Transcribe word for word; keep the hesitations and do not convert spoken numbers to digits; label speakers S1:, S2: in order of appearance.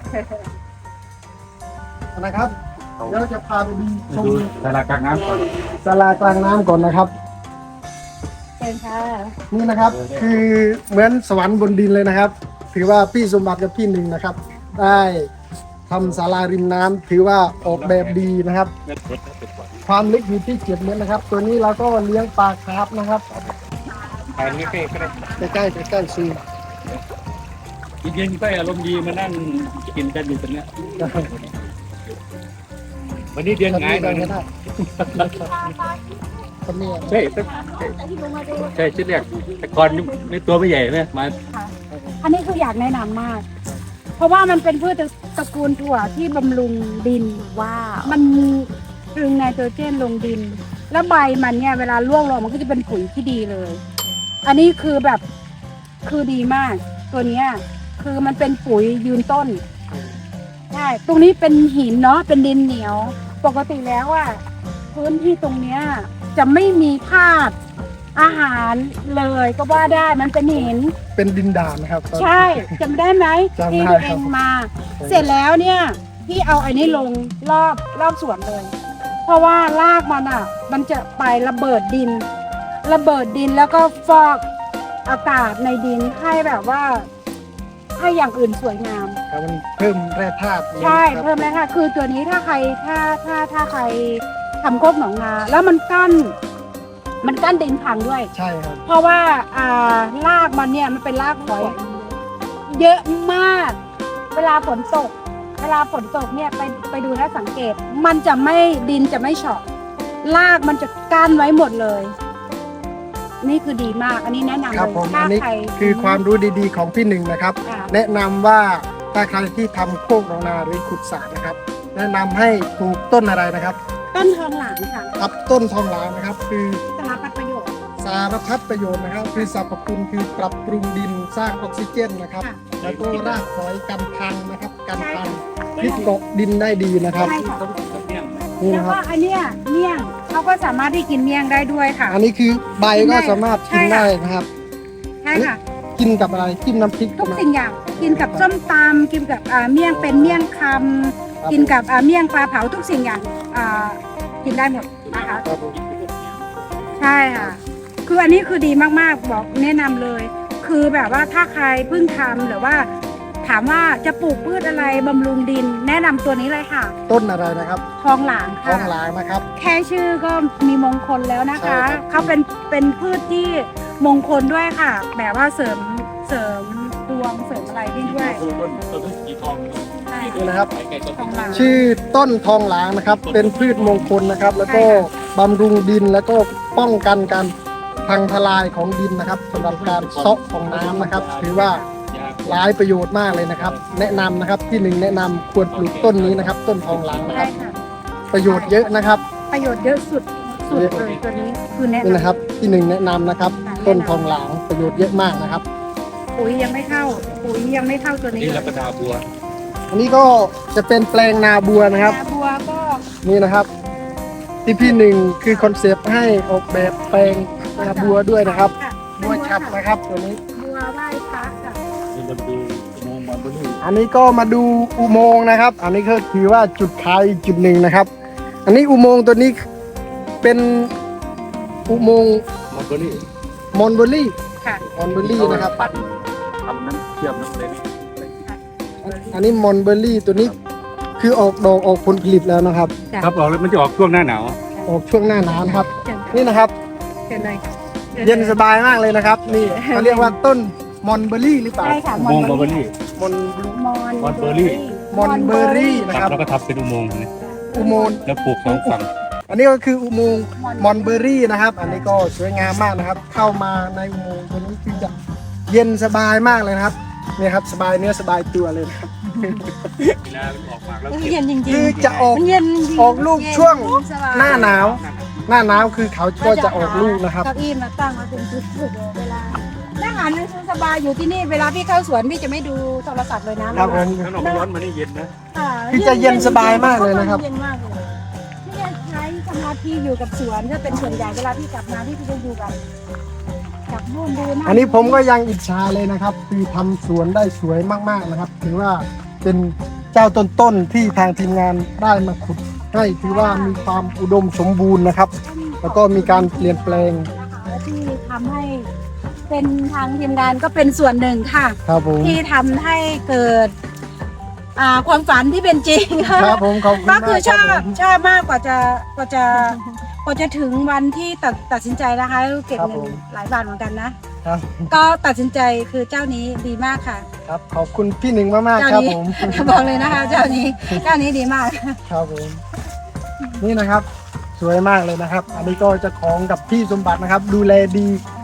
S1: นะครับเดี๋ยวจะพาไปดูชม
S2: ศาลากลางน้ำก่อน
S1: ศาลากลางน้ำก่อนนะครับ
S3: เชิญค่ะ
S1: นี่นะครับคือเหมือนสวรรค์บนดินเลยนะครับ ถือว่าพี่สมบัติกับพี่หนึ่งนะครับ ได้ทำศาลาริมน้ำถือว่าออกแบบดีนะครับ ความลึกอยู่ที่เจ็ดเมตรนะครับ ตัวนี้เราก็เลี้ยงปลาคาร์ฟนะครับ
S2: ถ่ายนี่ใกล้ก็ได้
S1: ใกล้ๆใกล้ๆซี
S2: เย็นๆก็อารมณ์ดีมานั่งกินกันอยู่ตรงเนี้ยวันนี้เดือนไง
S1: ได้
S2: เดือน
S1: ได้คนนี้
S2: ใช่ใช่ชุดแรกแต่ก่อนในตัวไม่ใหญ่ไหมมา
S3: ค่ะอันนี้คืออยากแนะนำมาก เพราะว่ามันเป็นพืชตระกูลถั่วที่บำรุงดินว่ามันดึงไนโตรเจนลงดิน แล้วใบมันเนี่ยเวลาร่วงลงมันก็จะเป็นปุ๋ยที่ดีเลย อันนี้คือแบบคือดีมาก ตัวเนี้ยคือมันเป็นปุ๋ยยืนต้นใช่ตรงนี้เป็นหินเนาะเป็นดินเหนียว ปกติแล้วอ่ะพื้นที่ตรงเนี้ยจะไม่มีธาตุอาหารเลยก็ว่าได้มันเป็นหิน
S1: เป็นดินด่านนะครับ
S3: ใช่จำได้ไหม
S1: จำได้
S3: ที่ตัว
S1: ค
S3: เอ
S1: รับ
S3: งมา เสร็จแล้วเนี่ยพี่เอาอันนี้ลงรอบรอบสวนเลย เพราะว่ารากมันอ่ะ มันจะไประเบิดดิน ระเบิดดินแล้วก็ฟอกอากาศในดินให้แบบว่า ให้อย่างอื่นสวยงาม
S1: ครับมันเพิ่มแร่ธาตุ
S3: ใช่
S1: ครับ
S3: เพิ่มเลยค่ะ คือตัวนี้ถ้าใครถ้าถ้าถ้าใครทำโคกหนองนาแล้วมันกั้น มันกั้นดินพังด้วย
S1: ใช่ครับ
S3: เพราะว่าอ่ารากมันเนี่ยมันเป็นรากหอย เยอะมาก เวลาฝนตก เวลาฝนตกเนี่ยไปไปดูนะสังเกต มันจะไม่ดินจะไม่เฉาะรากมันจะกั้นไว้หมดเลย นี่คือดีมาก อันนี้แนะนำ
S1: ครับ
S3: เลย
S1: ผม
S3: ถ้า
S1: อันนี้
S3: ใคร
S1: คือความรู้ดีๆของพี่หนึ่งนะครับ
S3: ค่ะ
S1: แนะนำว่าถ้าใครที่ทำโคกหนองนาหรือขุดสระนะครับ แนะนำให้ปลูกต้นอะไรนะครับ
S3: ต้นทองหลางค่ะ
S1: ครับต้นทองหลางนะครับ คือ
S3: สารพัดประโยชน์
S1: สารพัดประโยชน์นะครับ คือสรรพคุณคือปรับปรุงดินสร้างออกซิเจนนะครับ
S3: ค่ะ
S1: แล้วก็รากฝอยกันพังนะครับกัน
S3: ใช่
S1: พัง
S3: ค่ะ
S1: ที่เกาะดินได้ดีนะครับ
S3: ใช่ค่ะ
S1: นี่
S3: แล้ว
S1: นะครับ
S3: ก็อันเนี้ยเมี่ยงเขาก็สามารถที่กินเมี่ยงได้ด้วยค่ะ
S1: อันนี้คือใบ
S3: กินได้
S1: ก็สามารถกิน
S3: ใช่ค่ะ
S1: ได้นะครับ
S3: ใช่ค่ะ
S1: กินกับอะไรจิ้มน้ำพริก
S3: ทุก
S1: นะ
S3: สิ่งอย่างกินกับส้มตำกินกับอ่าเมี่ยงเป็นเมี่ยงคำกินกับอ่าเมี่ยงปลาเผาทุกสิ่งอย่างอ่ากินได้หมดนะคะ
S1: ครับผม
S3: ใช่ค่ะ คืออันนี้คือดีมากๆบอกแนะนำเลย คือแบบว่าถ้าใครเพิ่งทำหรือว่า ถามว่าจะปลูกพืชอะไรบำรุงดิน แนะนำตัวนี้เลยค่ะ
S1: ต้นอะไรนะครับ
S3: ทองหลาง
S1: ทอ
S3: ค่ะ
S1: งหลางนะครับ
S3: แค่ชื่อก็มีมงคลแล้วนะคะ
S1: ใช่ครับ
S3: เขาเป็นเป็นพืชที่มงคลด้วยค่ะ แบบว่าเสริมเสริมดวงเสริมอะไรได้ด้วย
S2: ต้นต้นสีทอง
S3: ใช่
S1: นี่นะครับ
S2: ไก่ต้น
S3: ทองหลาง
S1: ชื่อต้นทองหลางนะครับ เป็นพืชมงคลนะครับ แล้วก็
S3: ใช่ค่ะ
S1: บำรุงดินแล้วก็ป้องกันการพังทลายของดินนะครับสำหรับการเซาะของน้ำนะครับ ถือว่าหลายประโยชน์มากเลยนะครับ แนะนำนะครับที่หนึ่งแนะนำควรปลูกต้นนี้นะครับ ต้นทองหลางนะค
S3: ใช่
S1: รับ
S3: ค่ะ
S1: ประโยชน์เยอะนะครับ
S3: ประโยชน์เยอะสุดสุดเลยตัวนี้คือแนะ
S1: นี่
S3: นำ
S1: นะครับที่หนึ่งแนะนำนะครับ
S3: ค่ะ
S1: ต้นทองหลางประโยชน์เยอะมากนะครับ
S3: ปุ๋ยยังไม่เข้าปุ๋ยยังไม่เข้าตัวนี้
S2: นี่รับประทานบัว
S1: อันนี้ก็จะเป็นแปลงนาบัวนะครับ
S3: นาบัวก็
S1: นี่นะครับ ที่พี่หนึ่งคือคอนเซปต์ให้ออกแบบแปลงนาบัวด้วยนะครับ
S3: ค่ะ
S1: บัวฉับนะครับตัวนี้
S3: บัวไหว้พระค่ะ
S2: นี่เราดูมองบอลบอลลูน
S1: อันนี้ก็มาดูอุโมงค์นะครับ อันนี้ก็ถือว่าจุดขายอีกจุดหนึ่งนะครับ อันนี้อุโมงค์ตัวนี้เป็นอุโมงค์
S2: มอลเบอรี่
S1: มอนเบอรี่
S3: ค่ะ
S1: มอนเบอรี่นะครับ
S2: ปั่นทำน้ำเชื่อมน้ำเลย
S1: อันนี้มอนเบอรี่ตัวนี้คือออกดอกออกผลผลิตแล้วนะครับ
S2: ครับออกแล้วมันจะออกช่วงหน้าหนาว
S1: ออกช่วงหน้าหนาวนะครับ
S3: เชิญ
S1: นี่นะครับ
S3: เชิญเลย
S1: เย็นสบายมากเลยนะครับ นี่เขาเรียกว่าต้นมอนเบอรี่หรือเปล่า
S3: ใช่ค่ะ
S2: อุโมงค์มอลเบอรี่
S1: มอน
S3: มอน
S2: มอนเบอร์รี่
S1: มอนเบอรี่นะ
S2: ค
S1: ค
S2: รั
S1: รั
S2: บบ แล้วก็ทำเป็นอุโมงค์นี่
S1: อุโมงค์
S2: แล้วปลูกสองฝั่ง
S1: อันนี้ก็คืออุโมงค์มอนเบอรี่นะครับ อันนี้ก็สวยงามมากนะครับ เข้ามาในอุโมงค์ตัวนี้คือจะเย็นสบายมากเลยนะครับเนี่ยครับสบายเนื้อสบายตัวเลยนะครับ
S2: เวลาออกมาแล้ว
S3: เย็นจริง
S1: คือจะออก
S3: มันเย็นจริง
S1: ออกลูกช่วง
S3: สบย
S1: หน้าหนาว หน้าหนาวคือเขาก็จะออกลูกนะครับ
S3: เก้าอี้มาตั้งมาเป็นจุดๆเลยเวลานั่งอ่านหนังสือสบายอยู่ที่นี่เวลาพี่เข้าสวนพี่จะไม่ดูโทรศัพท์เลยนะครับ
S1: ผม
S2: ข้างนอกร้อนมันนี่เย็นนะ
S3: ค่ะ
S1: คือจะเย็นสบายมากเลยนะครับ
S3: เย็นมากเลยพี่จะใช้สมาธิอยู่กับสวนถ้าเป็นส่วนใหญ่เวลาพี่กลับมาพี่จะอยู่กับกับนู่นดูนั่น
S1: อันนี้ผมก็ยังอิจฉาเลยนะครับ คือทำสวนได้สวยมากๆนะครับ ถือว่าเป็นเจ้าต้นๆที่ทางทีมงานได้มาขุดให้ถือว่ามีความอุดมสมบูรณ์นะครับ แล้วก็มีการเปลี่ยนแปลง
S3: นะคะที่ทำให้เป็นทางทีมงานก็เป็นส่วนหนึ่งค่ะ
S1: ครับผม
S3: ที่ทำให้เกิดอ่าความฝันที่เป็นจริงค่ะ
S1: ครับผมขอบคุณ
S3: ก็
S1: มาก
S3: คือช
S1: ค
S3: อ
S1: รับบ ผม
S3: ชอบมากกว่าจะกว่าจะกว่าจะถึงวันที่ตัดตัดสินใจนะคะเก็บ
S1: ครับ
S3: เงิ
S1: ผ
S3: น
S1: ม
S3: หลายบาทเหมือนกันนะ
S1: ครับ
S3: ก็ตัดสินใจคือเจ้านี้ดีมากค่ะ
S1: ครับขอบคุณพี่หนึ่งมากๆ
S3: เจ้า
S1: ครับ
S3: นี้
S1: ผม
S3: บอกเลยนะคะ เจ้านี้เจ้านี้ดีมาก
S1: ครับผมนี่นะครับ สวยมากเลยนะครับ อันนี้ก็เจะของกับพี่สมบัตินะครับ ดูแลดี